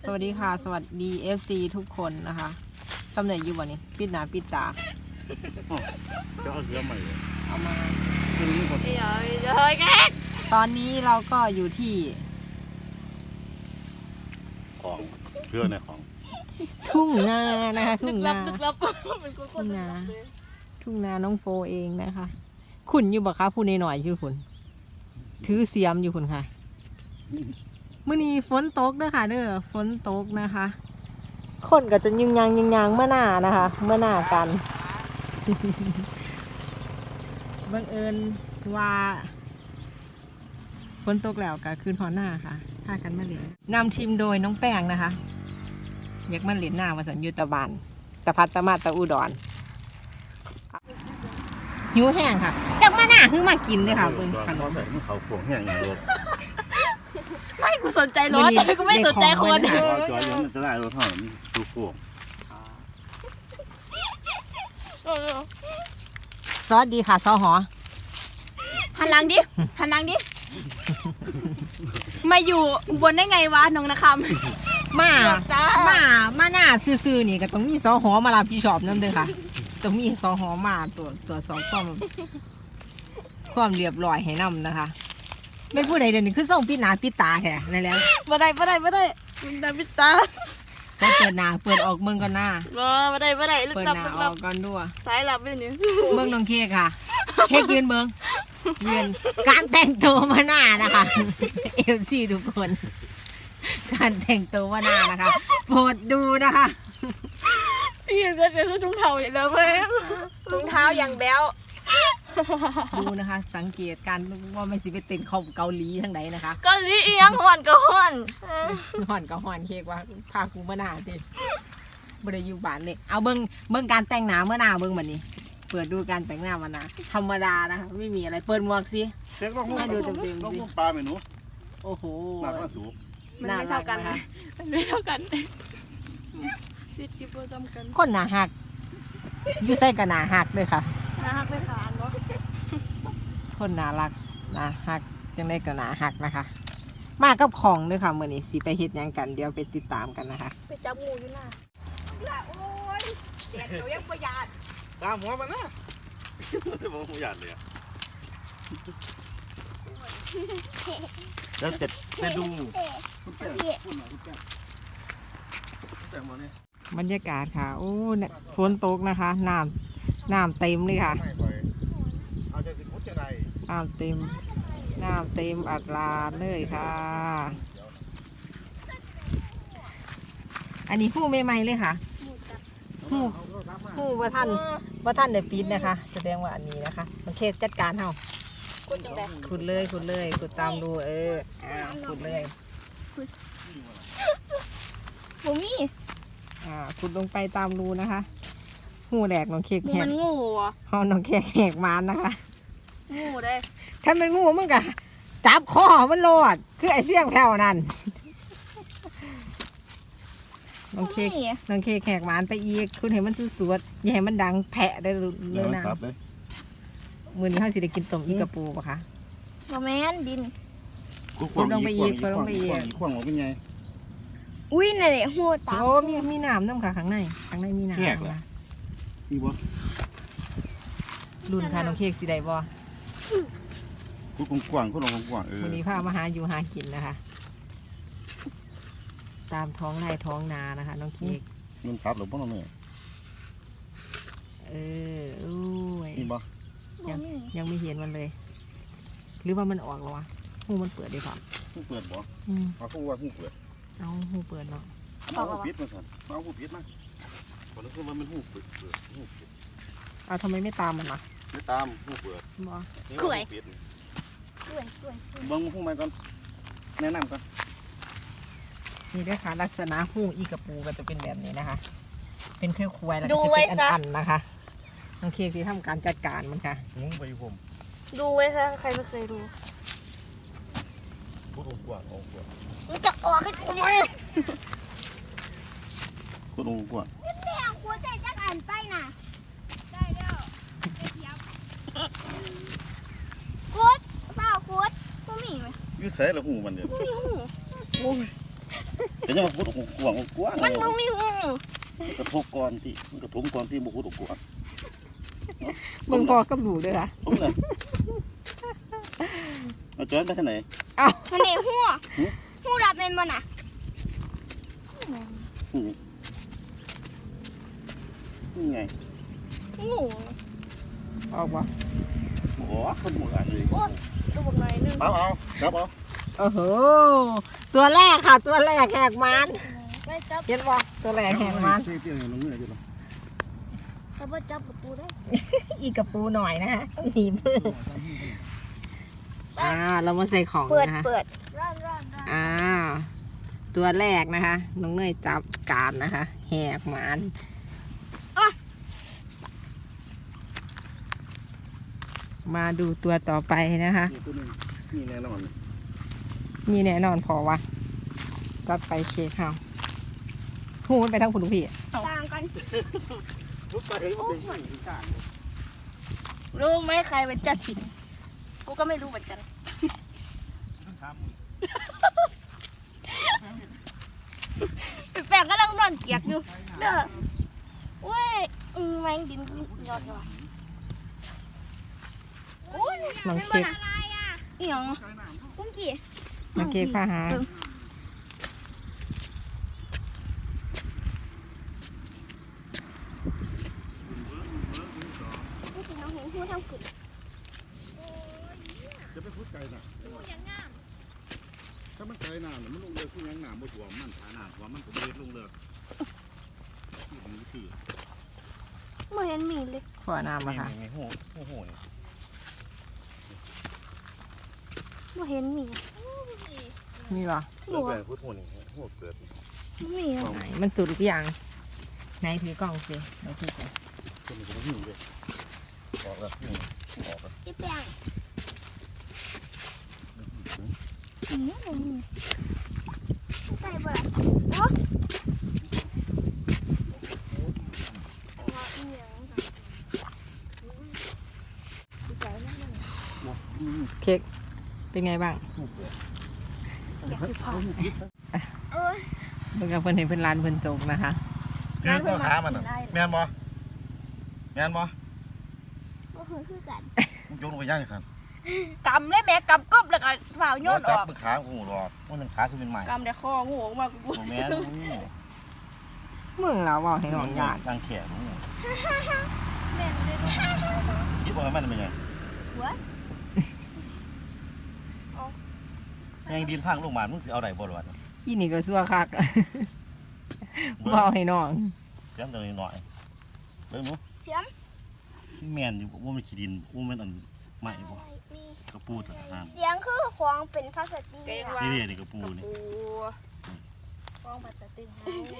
สวัสดีค่ะสวัสดี FC ทุกคนนะคะตำแหน่งอยู่วันนี้ปิดหน้าปิดตาจะเอาเสื้อใหม่เลยเอามาคือนี่คนเฮ้ยแกตอนนี้เราก็อยู่ที่ของเสื้อในของทุ่งนานะคะทุ่งนาลึกลับเป็นคนทุ่งนาทุ่งนาน้องโฟเองนะคะขุนอยู่บ่คะพูดหน่อยๆอยู่คุณถือเสียมอยู่คุณค่ะมื้อนี้ฝนตกเด้อค่ะเด้อฝนตกนะคะ คนก็จะยิงยางเมื่อหน้านะคะเมื่อหน้ากัน บังเอิญว่าฝนตกแล้วก็คืนหอหน้าค่ะพากันมาเล่นนำทีมโดยน้องแป้งนะคะอยากมาเล่นหน้ามาสัญยุตะบานตะพัดตะมาตะอุดรหิวแห้งค่ะจักมาหน้าคือมากินเลยค่ะเบิ่งขนมแบบมันเขาขวงแห้งอย่างเดียวไม่กูสนใจรถกูไม่สนใจคนจอยยังมันจะได้รถเท่านั้นดูขวงซอสดีค่ะซอหอหันหลังดิหันหลังดิมาอยู่อุบลได้ไงวะน้องนะคำมาหน้าซื่อๆนี่ก็ต้องมีซอหอมารับผิดชอบนั่นเลยค่ะต้องมีซอหอมาตัวสองความเรียบร้อยให้นำนะคะไม่พูดใดเดี๋ยวนี้คือส่งปิดหน้าปิดตาแค่นั่นแหล้วมาได้ดาวิตาใช้เปิดหน้าเปิดออกเมืองก่อนหน้ามาได้ลึกเปิดลับหน้าลึกอลัอบ กก่อนด้วยสายลับเลยนี่เมืองน้องเค้กค่ะ เค้กยืนเมืองยืนการแต่งตัวมาหน้านะคะเอฟซีทุกคน การแต่งตัวมาหน้านะคะโปรดดูนะคะพี่ยังจะคือทุ่งเท้าอย่างแล้วเว้ยรองเท้าอย่างแบ๊วดูนะคะ สังเกตการว่าไม่สิไปเต้นของเกาหลีทั้งไหนนะคะก็ลีเอียงห่อนก็ห่อนห่อนกับห่อนเค้กว่าพากูมาหน้าดิบริยูบานเลยเอาเบิ้งการแต่งหน้าเมื่อหน้าเบิ้งแบบนี้เปิดดูการแต่งหน้ามาหน้าธรรมดานะคะไม่มีอะไรเปิดหมวกสิเช็คลองให้ดูเต็มๆสิลองปลาเมนูโอ้โหหนักก็สูงมันไม่เท่ากันมันไม่เท่ากันติดกิบประจำกันคนหนาหักอยู่ใส่กับหนาหักเลยค่ะนะฮักไม่ขาดเนาะคนหนารักหนาหักยังได้กับหนาหักนะคะ มากับของด้วยค่ะเมื่อนี้สิไปเฮ็ดหยังกันเดี๋ยวไปติดตามกันนะคะไปจับงูอยู่น่ะโอ้ยเสียงเขายังประหยัดตามหัวมันนะจะมองหัวหยาดเลยแล้วจะดูคุณแป้งพูดหน่อยคุณแป้งคุณแป้งมาเนี่ยบรรยากาศค่ะโอ้เนี่ยฝนตกนะคะน้ำเต็มเลยค่ะไม่ค่อยเอาจะสิพุทธจะไรน้ำเต็มอัดลาดเลยค่ะ อันนี้หู้ใหม่ๆเลยค่ะหู้ว่าท่านได้ปิดนะคะ แสดงว่าอันนี้นะคะมันเคสจัดการเฮากูจังไดขุดเลยขุดตามดูขุดเลยบ่มีขุดลงไปตามรูนะคะหูแหลกน้องเค้กแหมักนงูอ่ะห้องน้องเค้กแหกมานนะคะงูได้ถ้าเป็นงูมึงกะจับคอมันโลดคือไอ้เสี่ยงแผ่วนั่นน้องเค้กแหกมานไปอีกคุณเห็นมันสวดๆอย่าให้มันดังแผะได้เลยนะครับเลยมื้อนี้เขาสิได้กินต้มอีกระปูปะคะบ่แม่นดินขวางออกเป็นไงอุ้ยนี่นแหละหูตาโอ้มีน้ำน้ำค่ะข้างในมีน้ำค่ะมีบ่รุ่นค่ะน้องเค้กสิได้บ่คุณกว้างคุณลองกว้างวันนี้พามาหาอยู่หากินนะคะ ตามท้องไร่ท้องนานะคะน้องเค้กมันตัดหรือเปล่าเนี่ยอุ้ยมีบ่ยังไม่เห็นมันเลย หรือว่ามันออกแล้ววะหูมันเปิดดีกว่าผู้เปิดบ่อืมเอาผู้ว่าผู้เปิดเอาหูเปิดเนาะเอาผู้ปิดมาสั่นเอาผู้ปิดมาคนนั้นคือว่ามันผู้เปิดผู้ปิดเอาทำไมไม่ตามมันล่ะไม่ตามผู้เปิดบอกล้วยเบิ้งผู้ใหม่ก่อนแนะนำก่อนนี่ด้วยค่ะลักษณะหูอีกระปูก็จะเป็นแบบนี้นะคะ เป็นเครื่องควายแล้วดูก็จะไว้เป็นซะอันๆนะคะน้องเค้กที่ทำการจัดการมันค่ะงุ้งไปผมดูไว้ซะใครไม่เคยดูผู้กว้างองกว้างมันจะออกกันทำไมผู้กว้างแม่ควรจะจักอ่านไปน่ะได้แล้วคุดเปล่าคุดบ่มีไหมอยู่ใส่ละหูมันเดียวบ่มีหูแต่ยังพูดกว้างกว้างมันบ่มีหูกระทบก่อนที่มันกระทบก่อนที่บุกกว้างเบิ่งพอกับหนูเด้อค่ะผมเลยเอาจอยไปที่ไหนเอ้ามันนี่หูดับเป็นบ่น่ะนี่ไงหูออกบ่โอ้ขโมยอะไรเลยโอ้ดูบักหน่อยนึงเอาครับเอาโอ้โหตัวแรกค่ะ ตัวแรกแหกมันไม่จับเห็นบ่ตัวแรกแหกมันเตี้ยๆลงเงื่อนอยู่หรอถ้าบ่จับประตูได้อีกกระปูหน่อยนะฮะหนีมือเรามาใส่ของนะคะเปิดร้อนตัวแรกนะคะ น้องเนยจับการนะคะ แหกหมานมาดูตัวต่อไปนะคะนี่ตัวนึงนี่แน่นอนมีแน่นอนพอวะจัดไปเคกเขาหูมันไปทั้งคุณลูกพี่ต่างกันลุกไปเลยมันเป็นสิ่งต่างรู้ไหมใครเป็นจัดสิกูก็ไม่รู้เหมือนกันแปลกก็ต้องนอนเกียกอยู่เด้อเว้ยแมงดินยอดว่ะโอ้ยน้องเค้กอีหยังกุ้งกี่น้องเค้กพาหากุ้งกี่น้องเห็นหูทำขึ้นจะไปพูดไกลนะถ้ามันไกลนานมันลงเรือขึ้นยังหนามบ่ถ่วมมันฐานานว่ามันก็เบ็ดลงเรือที่มันคือไม่เห็นมีเลยขวน้ำมาค่ะไงโหนี่ไม่เห็นมีนี่เหรอแล้วแต่พูดโหนี่โหเกิดไม่มีไหนมันสุดหรือยังไหนถือกล่องสิเราถือก่อนคนมันก็หิวเลยออกแล้วหิวออกแล้วที่แป้งใส่บ่ล่ะเนาะเค้กเป็นไงบ้างโอ้ยเบิ่งกับเพิ่นเห็นเพิ่นร้านเพิ่นโจกนะคะคือพ่อค้ามันอ่ะแม่นบ่แม่นบ่บ่เคยคือกันมึงโยนลงไปย่างสันกำเลยแม่กำกึบแล้วก็เปล่าโยนอจับอกมือขากูหรอกมันขาคือเป็นใหม่กำแต่คองูออกมากูโอ้แม่นเมืองเราบอกให้น้องยานดังแขนแม่เลยคิดว่ามันเป็นยังหัวยังดินพังลงมามึงเอาไหนบ่หรออีนี่ก็ซัวคักบอกให้น้องย้ำตรงนี้หน่อยเบิ่งหนูเสียมแม่นอยู่ว่ามันขี้ดินว่ามันอันใหม่บ่กระปูตะสานเสียงคือของเป็นพลาสติกนี่นี่กระปูนี่ของพลาสติก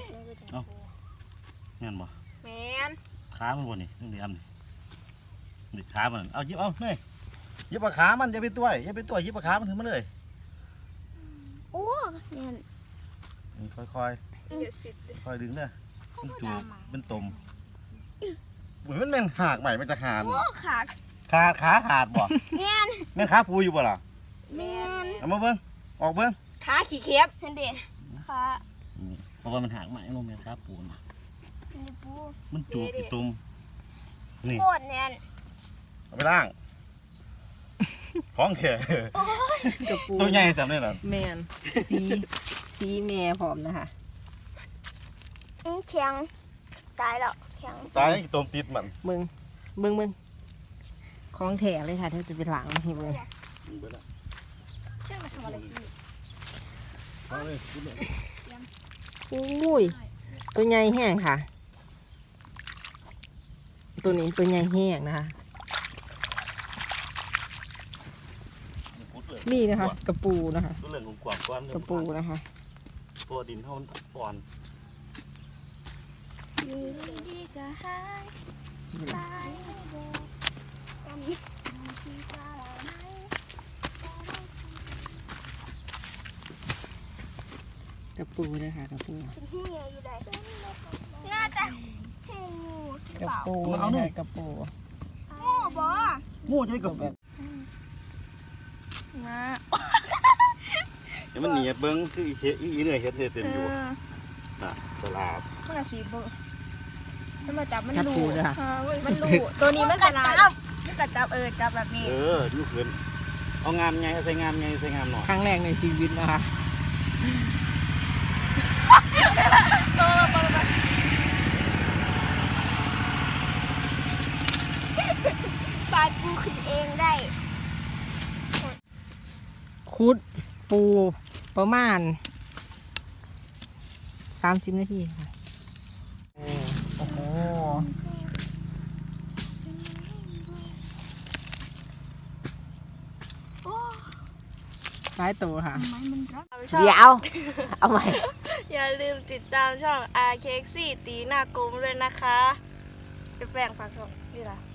แม่นบ่แม่นขามันบ่นี่นี่อันนี่ขามันเอาหยิบเอาเฮ้ยหยิบปากขามันอย่าไปต้วยหยิบปากขามันถึงมาเลยโอ้แม่นค่อยค่อยดึงเด้อมันจูบเป็นตมเหมือนมันแม่นหักใหม่มันจะขาดโอ้ขาดขาขาดบ่แม่นแม่นขาปูอยู่บ่ล่ะแม่นเอามาเบิ่งออกเบิ่งขาขี้เข็บเห็นดิขาเพราะว่ามันหักใหม่ลงแม่นขาปูนะนี่ปูมันจูบอยู่ตมนี่โคตรแน่นเอาไปล้างของแข็งกระปูตัวใหญ่สำเนี่ยเหรอแมนสีแม่พร้อมนะคะแข็งตายแล้วแข็งตายตมติดมันเบิ่งของแถเลยค่ะเธอจะไปหลังให้เบิ่งเชื่อมาทำอะไรกินเอาเลยกินเลยอุ้ยตัวใหญ่แห้งค่ะ ตัวนี้ตัวใหญ่แห้งนะคะ นี่นะคะกระปูนะคะตัวเหลืองกว่าก้อนกระปูนะคะตัวดินเท่าอ่อนดีๆก็หายตายกำที่ตาเราไหมกระปูนะคะกระปูเป็นหูใหญ่อยู่ใดน่าจะใช่งูหรือกระเปล่าปูนะคะกระปูงูบ่งูใช่กับมาเดี๋ยวมันหนีเบิ้งคืออีเหนื่อยเฮ็ดเต็มอยู่น่ะสลาบมันสีเบอร์มันมาจับมันจับรูปูด้วยค่ะมันรูตัวนี้มันกระจับมันกระจับจับแบบนี้ลูกเขินเอางามไงใส่งามไงใส่งามหน่อยครั้งแรกในชีวิตนะคะปาดปูขึ้นเองได้คุดปูประมาณ30 นาทีค่ะโอ้โหซ้ายตัวค่ะเดี๋ยวเอาใหม่อย่าลืมติดตามช่อง R K 4ตีหน้ากลมด้วยนะคะไปแปลงฝากช่องนี่ล่ะ